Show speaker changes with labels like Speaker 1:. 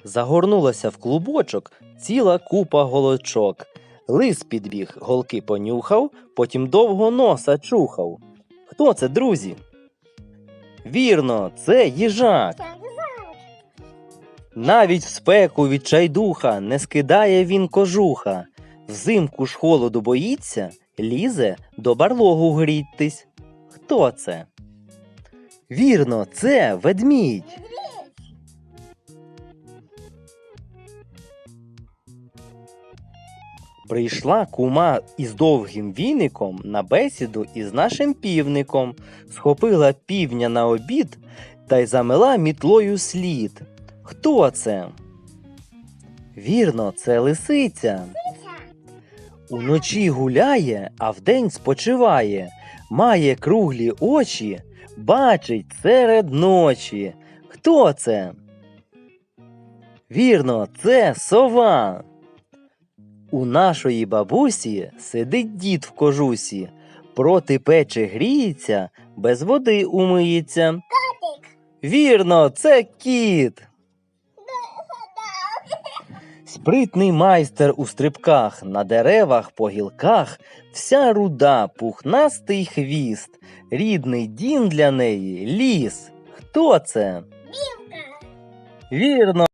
Speaker 1: Загорнулася в клубочок ціла купа голочок. Лис підбіг, голки понюхав, потім довго носа чухав. Хто це, друзі? Вірно, це їжак. Навіть в спеку відчайдуха не скидає він кожуха. Взимку ж холоду боїться, лізе до барлогу грітись. Хто це? Вірно, це ведмідь. Прийшла кума із довгим віником на бесіду із нашим півником, схопила півня на обід та й замела мітлою слід. Хто це? Вірно, це лисиця. Уночі гуляє, а вдень спочиває, має круглі очі, бачить серед ночі. Хто це? Вірно, це сова. У нашої бабусі сидить дід в кожусі, проти печі гріється, без води умиється.
Speaker 2: Котик.
Speaker 1: Вірно, це кіт. Спритний майстер у стрибках, на деревах, по гілках, вся руда, пухнастий хвіст, рідний дім для неї – ліс. Хто це?
Speaker 2: Білка.
Speaker 1: Вірно.